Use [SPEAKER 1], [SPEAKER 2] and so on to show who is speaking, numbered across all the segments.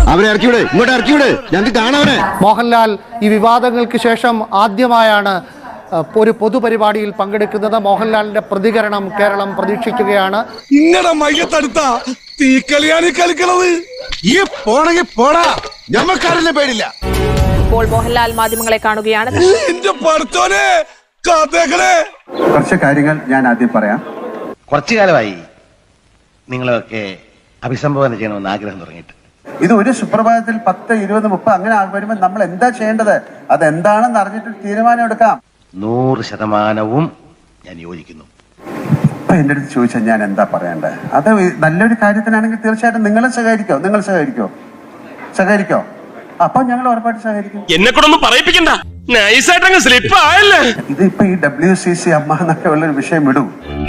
[SPEAKER 1] അവരെ ഇറക്കിവിട്, ഇങ്ങോട്ട് ഇറക്കിവിട്, ഞങ്ങൾക്ക് കാണാവനെ.
[SPEAKER 2] മോഹൻലാൽ ഈ വിവാദങ്ങൾക്ക് ശേഷം ആദ്യമായാണ് ഒരു പൊതുപരിപാടിയിൽ പങ്കെടുക്കുന്നത്. മോഹൻലാലിന്റെ പ്രതികരണം കേരളം പ്രതീക്ഷിക്കുകയാണ്.
[SPEAKER 3] ഇങ്ങടെ മയ്യത്തടുത്ത തീക്കളിയാണ് കളിക്കണത്. ഈ പോണെങ്കിൽ പോടാ, ഞമ്മക്കാരനെ പേടില്ല.
[SPEAKER 4] ഇപ്പോൾ മോഹൻലാൽ മാധ്യമങ്ങളെ കാണുകയാണ്.
[SPEAKER 3] എന്റെ പഠിച്ചോനെ കാത്തേക്കണേ.
[SPEAKER 5] കുറച്ച് കാര്യങ്ങൾ ഞാൻ ആദ്യം പറയാം.
[SPEAKER 6] കുറച്ചു കാലമായി നിങ്ങളൊക്കെ അഭിസംബോധന ചെയ്യണമെന്ന് ആഗ്രഹം തുടങ്ങിയിട്ട്.
[SPEAKER 5] ഇത് ഒരു സുപ്രഭാതത്തിൽ 10, 20, 30 അങ്ങനെ വരുമ്പോൾ നമ്മൾ എന്താ ചെയ്യേണ്ടത്, അതെന്താണെന്ന് അറിഞ്ഞിട്ട് തീരുമാനം എടുക്കാം.
[SPEAKER 6] 100% ഞാൻ യോജിക്കുന്നു.
[SPEAKER 5] ഇപ്പൊ എന്റെ അടുത്ത് ചോദിച്ചാൽ ഞാൻ എന്താ പറയേണ്ടത്? അത് നല്ലൊരു കാര്യത്തിനാണെങ്കിൽ തീർച്ചയായിട്ടും നിങ്ങൾ സഹകരിക്കോ? അപ്പൊ ഞങ്ങൾ ഉറപ്പായിട്ട് സഹകരിക്കും.
[SPEAKER 3] എന്നെ കൂടെ പറയിപ്പിക്കണ്ട, നൈസായിട്ടങ്ങ് സ്ലിപ്പ് ആയല്ലേ.
[SPEAKER 5] ഇതിപ്പോ ഈ WCC അമ്മ എന്നൊക്കെ ഉള്ളൊരു വിഷയം വിടും.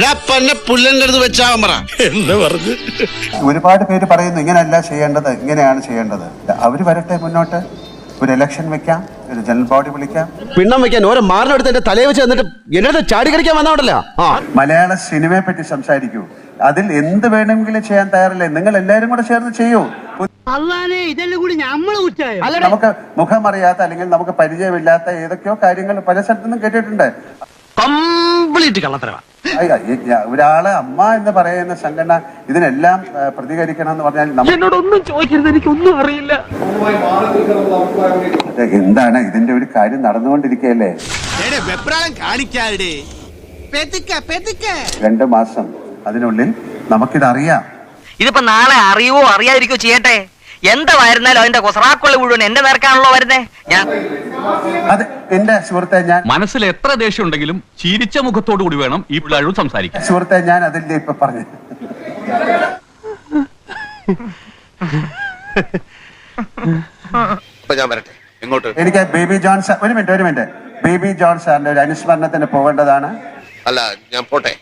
[SPEAKER 5] ഒരുപാട് പേര് പറയുന്നു ഇങ്ങനെയല്ല ചെയ്യേണ്ടത്, ഇങ്ങനെയാണ് ചെയ്യേണ്ടത്. അവര് വരട്ടെ മുന്നോട്ട്, ഒരു ഇലക്ഷൻ വെക്കാം, ഒരു ജനറൽ ബോഡി വിളിക്കാം.
[SPEAKER 1] പിണ്ണം വെക്കാൻ ഓരോ മാറിനെടുത്ത് എന്റെ തലയെ വെച്ച് എന്നിട്ട് എന്നെ ചാടി കളിക്കാൻ വന്നോണ്ടല്ലോ.
[SPEAKER 5] മലയാള സിനിമയെ പറ്റി സംസാരിക്കൂ, അതിൽ എന്ത് വേണമെങ്കിലും ചെയ്യാൻ തയ്യാറല്ലേ? നിങ്ങൾ എല്ലാവരും കൂടെ ചേർന്ന് ചെയ്യൂ. നമുക്ക് മുഖമറിയാത്ത അല്ലെങ്കിൽ നമുക്ക് പരിചയമില്ലാത്ത ഏതൊക്കെയോ കാര്യങ്ങൾ പല സ്ഥലത്തുനിന്നും കേട്ടിട്ടുണ്ട്. ഒരാള് അമ്മ എന്ന് പറയുന്ന സംഘടന ഇതിനെല്ലാം പ്രതികരിക്കണം എന്ന് പറഞ്ഞാൽ
[SPEAKER 2] എന്നോടൊന്നും ചോദിക്കരുത്, എനിക്കൊന്നും അറിയില്ല.
[SPEAKER 5] എന്താണ് ഇതിന്റെ ഒരു കാര്യം നടന്നുകൊണ്ടിരിക്കുകയല്ലേ. 2 മാസം അതിനുള്ളിൽ നമുക്കിതറിയാം.
[SPEAKER 7] ഇതിപ്പോ നാളെ അറിയുവോ അറിയാതിരിക്കോ ചെയ്യട്ടെ, എന്തായിരുന്നാലും അതിന്റെ കൊസറാക്കുള്ള മുഴുവൻ എന്റെ നേർക്കാണല്ലോ വരുന്നേ.
[SPEAKER 5] അത് എന്റെ സുഹൃത്തെ, ഞാൻ
[SPEAKER 8] മനസ്സിൽ എത്ര ദേഷ്യം ഉണ്ടെങ്കിലും ചിരിച്ച മുഖത്തോടു കൂടി വേണം ഈ പിള്ളേരോട് സംസാരിക്കാൻ.
[SPEAKER 5] സുഹൃത്തെ, ഞാൻ അതിന്റെ ഇപ്പൊ പറഞ്ഞു. എനിക്ക് ബേബി ജോൺ സാർ, ഒരു മിനിറ്റ്, ബേബി ജോൺ സാറിന്റെ ഒരു അനുസ്മരണത്തിന് പോകേണ്ടതാണ്.
[SPEAKER 6] അല്ല, ഞാൻ പോട്ടെ.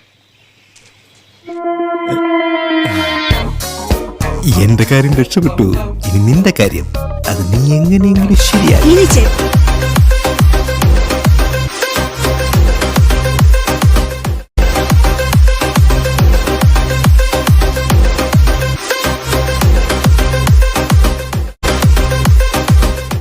[SPEAKER 9] എന്റെ കാര്യം രക്ഷപ്പെട്ടു, ഇനി നിന്റെ കാര്യം അത് നീ എങ്ങനെയെങ്കിലും ശരിയായി.